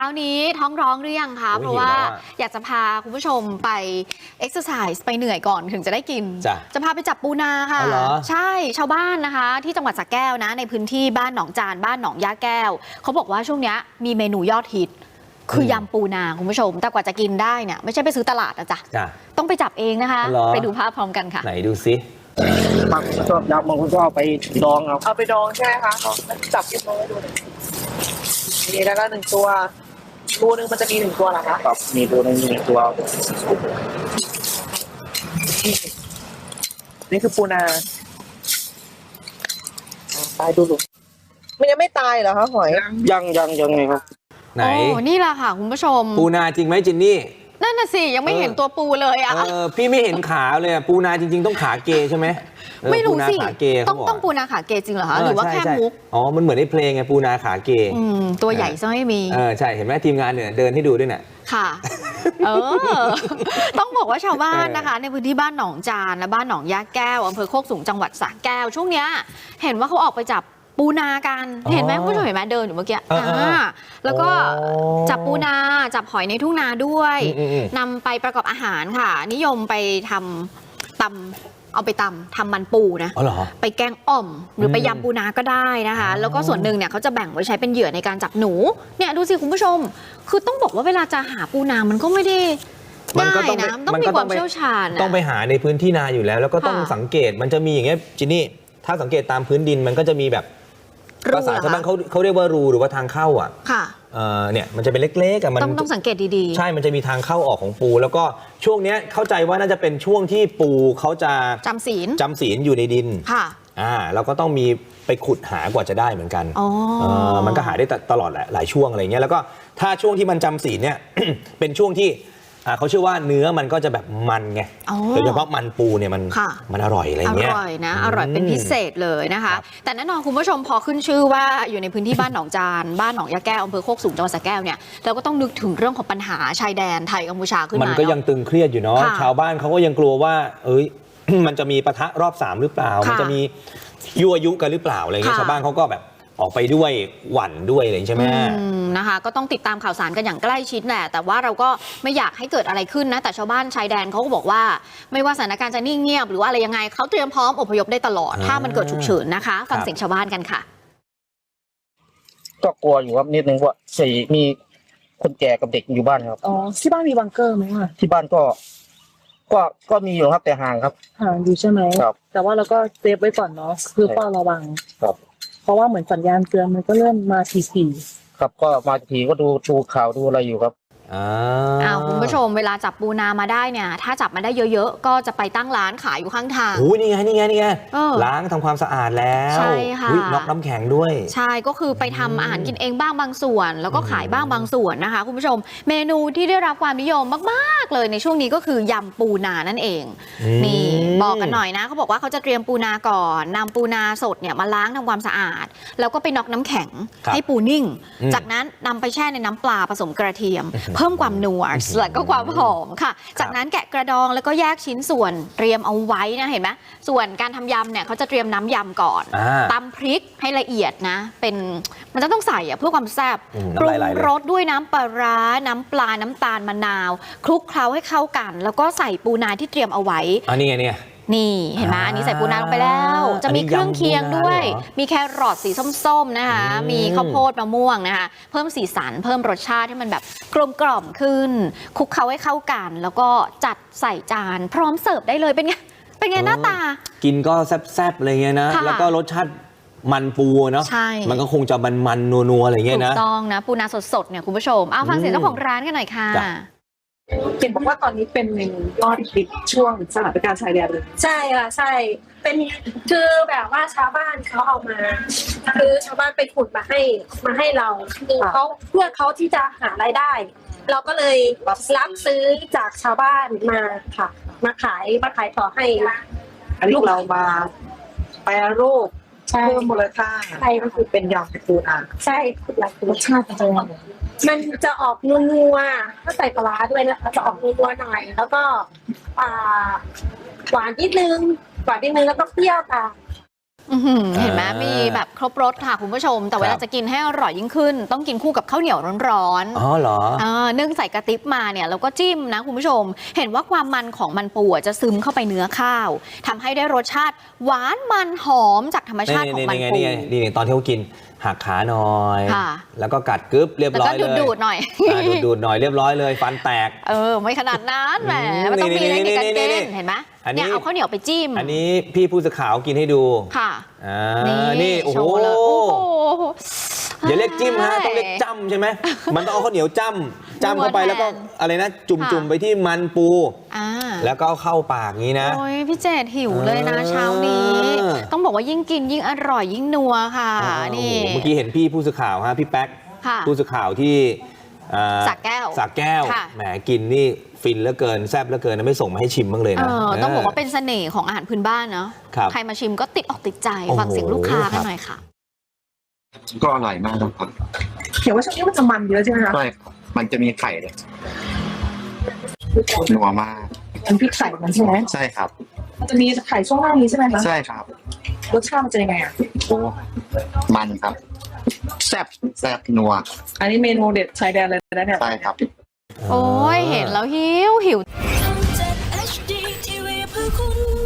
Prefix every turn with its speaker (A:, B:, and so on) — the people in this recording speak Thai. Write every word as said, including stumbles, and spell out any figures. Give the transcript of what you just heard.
A: คราวนี้ท้องร้องหรือยังคะเพราะว่าอยากจะพาคุณผู้ชมไปเอ็กซ์ไซส์ไปเหนื่อยก่อนถึงจะได้กินจะจะพาไปจับปูนาค่ะใช่ชาวบ้านนะคะที่จังหวัดสระแก้วนะในพื้นที่บ้านหนองจานบ้านหนองย่าแก้วเขาบอกว่าช่วงนี้มีเมนูยอดฮิตคือยำปูนาคุณผู้ชมแต่กว่าจะกินได้เนี่ยไม่ใช่ไปซื้อตลาดนะจ๊ะต้องไปจับเองนะคะไปดูภาพพร้อมกันค่ะ
B: ไหนดูซิ
C: บางคนชอบยำบางคนก็เอาไปดองเอา
D: เอาไปดองใช่ไหมคะจับกินมาดูนี่แล้วก็หนึ่งตัวรูนึงมันจะมีหนึ่งตัวเหรอคะ
C: ครับมีตัวนึงมีหนึ่งตัว
D: นี่คือปูนาตายดูดูมันยังไม่ตายเหรอคะหอย
C: ยังยังยังไงครับ
B: ไหน
A: โอ้นี่แหละค่ะคุณผู้ชม
B: ปูนาจริงไหมจินนี่
A: นั่นน่ะสิยังไม่เห็นตัวปูเลยอ่ะ
B: เออพี่ไม่เห็นขาเลยปูนาจริงๆต้องขาเกใช่ไหม
A: ไม่รู้สิต้องต้องปูนาขาเกจริงเหรอคะหรือว่าแค่มุก
B: อ๋อมันเหมือนในเพลงไงปูนาขาเก
A: ตัวใหญ่ซะไม่มี
B: เออใช่เห็นไหมทีมงานเนี่ยเดินให้ดูด้วยเนี่ย
A: ค่ะเออต้องบอกว่าชาวบ้านนะคะในพื้นที่บ้านหนองจานและบ้านหนองย่าแก้วอำเภอโคกสูงจังหวัดสระแก้วช่วงเนี้ยเห็นว่าเขาออกไปจับปูนากันเห็นไหมผู้ชมเห็นไหมเดินอยู่เมื่อกี้แล้วก็จับปูนาจับหอยในทุ่งนาด้วยนำไปประกอบอาหารค่ะนิยมไปทำตำเอาไปตำทำมันปูนะไปแกงอ่อมหรือไปยำปูนาก็ได้นะคะแล้วก็ส่วนหนึ่งเนี่ยเขาจะแบ่งไว้ใช้เป็นเหยื่อในการจับหนูเนี่ยดูสิคุณผู้ชมคือต้องบอกว่าเวลาจะหาปูนามันก็ไม่ได้
B: มันก็ต้อง
A: ต้องมีความเชี่ยวชาญ
B: ต้องไปหาในพื้นที่นาอยู่แล้วแล้วก็ต้องสังเกตมันจะมีอย่างเงี้ยจินนี่ถ้าสังเกตตามพื้นดินมันก็จะมีแบบภาษาชาวบ้านเขาเขาเรียกว่ารูหรือว่าทางเข้าอ่ะ
A: ค่ะ
B: เนี่ยมันจะเป็นเล็กๆอะมัน
A: ต้องต้องสังเกตดี
B: ๆใช่มันจะมีทางเข้าออกของปูแล้วก็ช่วงนี้เข้าใจว่าน่าจะเป็นช่วงที่ปูเขาจะ
A: จำศีล
B: จำศีลอยู่ในดิน
A: ค่ะ
B: อ่าเราก็ต้องมีไปขุดหากว่าจะได้เหมือนกัน
A: อ๋อ
B: มันก็หาได้ตลอดแหละหลายช่วงอะไรเงี้ยแล้วก็ถ้าช่วงที่มันจำศีลเนี่ย เป็นช่วงที่เขาเชื่อว่าเนื้อมันก็จะแบบมันไงโดยเฉพาะมันปูเนี่ยมันมันอร่อยอะไรเงี้ย
A: อร่อยนะอร่อยเป็นพิเศษเลยนะคะแต่แน่นอนคุณผู้ชมพอขึ้นชื่อว่าอยู่ในพื้นที่บ้านหนองจานบ้านหนองยาแก้วอำเภอโคกสูงจังหวัดสระแก้วเนี่ยเราก็ต้องนึกถึงเรื่องของปัญหาชายแดนไทยกัมพูชาขึ้นมา
B: มันก็ยังตึงเครียดอยู่เนาะชาวบ้านเขาก็ยังกลัวว่าเอ้ยมันจะมีปะทะรอบสามหรือเปล่ามันจะมียั่วยุกันหรือเปล่าอะไรเงี้ยชาวบ้านเขาก็แบบออกไปด้วยหวั่นด้วยอะไรใช่ไหม
A: นะคะก็ต้องติดตามข่าวสารกันอย่างใกล้ชิดแหละแต่ว่าเราก็ไม่อยากให้เกิดอะไรขึ้นนะแต่ชาวบ้านชายแดนเขาก็บอกว่าไม่ว่าสถานการณ์จะนิ่งเงียบหรือว่าอะไรยังไงเขาเตรียมพร้อมอพยพได้ตลอดถ้ามันเกิดฉุกเฉินนะคะฟังเสียงชาวบ้านกันค่ะ
C: ก็กลัวอยู่ครับนิดนึงว่าสี่มีคนแก่กับเด็กอยู่บ้านครับ
D: อ๋อที่บ้านมีบังเกอร์ไหมคะ
C: ที่บ้านก็ก็ก็มีอยู่ครับแต่ห่างครับ
D: ห่างอยู่ใช่ไหม
C: ครับ
D: แต่ว่าเราก็เซฟไว้ก่อนเนาะคือเฝ้าระวัง
C: ครับ
D: เพราะว่าเหมือนสัญญาณเตือนมันก็เริ่มมาที
C: ๆครับก็มาทีก็ดูดูข่าวดูอะไรอยู่ครับ
A: อ้าวคุณผู้ชมเวลาจับปูนามาได้เนี่ยถ้าจับมาได้เยอะๆก็จะไปตั้งร้านขายอยู่ข้างทาง
B: โอ้ยนี่ไงนี่ไงนี่ไงล้างทำความสะอาดแล้ว
A: ใช่ค่ะ
B: น็อกน้ำแข็งด้วย
A: ใช่ก็คือไปทำอาหารกินเองบ้างบางส่วนแล้วก็ขายบ้างบางส่วนนะคะคุณผู้ชมเมนูที่ได้รับความนิยมมากๆเลยในช่วงนี้ก็คือยำปูนานั่นเองนี่บอกกันหน่อยนะเขาบอกว่าเขาจะเตรียมปูนาก่อนนำปูนาสดเนี่ยมาล้างทำความสะอาดแล้วก็ไปน็อกน้ำแข็งให้ปูนิ่งจากนั้นนำไปแช่ในน้ำปลาผสมกระเทียมเพิ่มความนัวและก็ความหอมค่ะจากนั้นแกะกระดองแล้วก็แยกชิ้นส่วนเตรียมเอาไว้นะเห็นไหมส่วนการทำยำเนี่ยเขาจะเตรียมน้ำยำก่อนตำพริกให้ละเอียดนะเป็นมันจะต้องใส่อะเพื่อความแซ่บปรุงรสด้วยน้ำปลาร้าน้ำปลาน้ำตาลมะนาวคลุกเคล้าให้เข้ากันแล้วก็ใส่ปูนาที่เตรียมเอาไว้
B: อันนี้ไงเนี่ย
A: นี่เห็นไหมอันนี้ใส่ปูนาลงไปแล้วจะมีเครื่องเคียงด้วยมีแครอทสีส้มๆนะคะมีข้าวโพดมะม่วงนะคะเพิ่มสีสันเพิ่มรสชาติให้มันแบบกลมกล่อมขึ้นคลุกเคล้าให้เข้ากันแล้วก็จัดใส่จานพร้อมเสิร์ฟได้เลยเป็นไงเป็นไงหน้าตา
B: กินก็แซ่บๆอะไรเงี้ยนะแล้วก็รสชาติมันปูเนาะมันก็คงจะมันๆนัวๆอะไรเงี้ยนะ
A: ถูกต้องนะปูนาสดๆเนี่ยคุณผู้ชมเอาฟังเสียงเจ้าของร้านกันหน่อยค่ะ
D: เห็นบอกว่าตอนนี้เป็นเมนูยอดฮิตช่วงสถานการณ์ชายแดนเลย
E: ใช่ค่ะใช่เป็นคือแบบว่าชาวบ้านเขาเอามาคือชาวบ้านไปขุดมาให้มาให้เราคือเขาเพื่อเขาที่จะหารายได้เราก็เลยรับซื้อจากชาวบ้านมาค่ะมาขายมาขายต่อให้
D: อันนี้เรามาแปรรูปเพิ่มมูลค่าใช่ก็คือเป็นยำปูนา
E: ใช่รสชาติจะมันจะออกนัวๆถ้าใส่ปลาด้วยนะคะจะออกนัวๆหน่อยแล้วก็หวานนิดนึงหวานนิดนึงแล้วก็เปรี้ยวตาม
A: อื้อหือเห็นไหม
B: อ่ามี
A: มีแบบครบรสค่ะคุณผู้ชม แต่เว
B: ค
A: ลา
B: รับ
A: จะกินให้อร่อยยิ่งขึ้น ต้องกินคู่กับข้าวเหนียวร้อนๆ
B: อ๋อเหรอ
A: เออนึ่งใส่กระติบมาเนี่ยแล้วก็จิ้มนะคุณผู้ชม เห็นว่าความมันของมันปูอะจะซึมเข้าไปเนื้อข้าวทำให้ได้รสชาติหวานมันหอมจากธรรมชาติของมัน
B: นี่ไง
A: ปู
B: นี่ไงนี่ไงตอนที่เขากินหักขาหน่อย
A: ค่ะ
B: แล้วก็กัดกึ๊บเรียบ
A: แล้ว
B: ร้อ
A: ก็
B: ยเลย
A: ดูดๆหน่อย
B: อ่าดูดๆหน่อยเรียบร้อยเลยฟันแตก
A: เออไม่ขนาดนั้นแหม
B: อืม
A: มันต้องมีเทคนิคการ
B: นี่
A: กิ
B: นี่
A: นเห็นไหม
B: อันนี้
A: เนี่ยเอาข้าวเหนียวไปจิ้ม
B: อันนี้พี่ผู้สื่อข่าวกินให้ดู
A: ค่ะ
B: อ่า
A: นี่
B: นี่โอ้
A: โช
B: โห
A: ว์เลยโอ้โห
B: อย่าเรียกจิ้มฮะต้องเรียกจ้ำใช่ไหมมันต้องเอาข้าวเหนียวจ้ำจ้ำเข้าไป
A: นัวแทน
B: แล้วก็อะไรนะ จุ่ม
A: ค่ะ
B: จุ่มไปที่มันปู
A: อ่า
B: แล้วก็เอาเข้าปากงี้นะ
A: โอ้ยพี่เจดหิวเลยนะเช้านี้
B: เออ
A: ต้องบอกว่ายิ่งกินยิ่งอร่อยยิ่งนัวค่ะ นี่
B: โอ้โหเมื่อกี้เห็นพี่ผู้สื่อข่าวฮะพี่แป๊ก
A: ค่ะ
B: ผู้สื่อข่าวที่อ่า
A: สระแก้ว
B: สระแก้ว
A: ค่ะ
B: แหมกินนี่ฟินเหลือเกินแซ่บเหลือเกินนะไม่ส่งมาให้ชิมบ้างเลย
A: เอ
B: นะ
A: อต้องบอกว่าเป็นเสน่ห์ของอาหารพื้นบ้านเนาะ
B: ครับ
A: ใครมาชิมก็ติดอกติดใจ
B: โอ้โห
A: ฟังเสียงลูกค้า
B: ครั
A: กับ นหน่อยค่ะ
F: ก็อร่อยมากครับ
D: เห็นว่าช่วงนี้มันจะมันเยอะใช่ไหมคะ
F: ใช่ครับมันจะมีไข่เลยนัวมาก
D: มันพริกไข่มันใช่ไหม
F: ใช่ครับ
D: มันจะมีไข่ช่วงล่างนี้ใช่ไหมคะ
F: ใช่ครับ
D: รสชาติมันจะยังไงอ่ะ
F: โอ้มันครับแซ่บแซ่บนัว
D: อันนี้เมนูเด็ดชายแดนเลยนะเนี่ย
F: ใช่ครับ
A: โอ้ยเห็นแล้วหิวหิว
G: ทำจาก เอช ดี ที วี เพื่อคุณ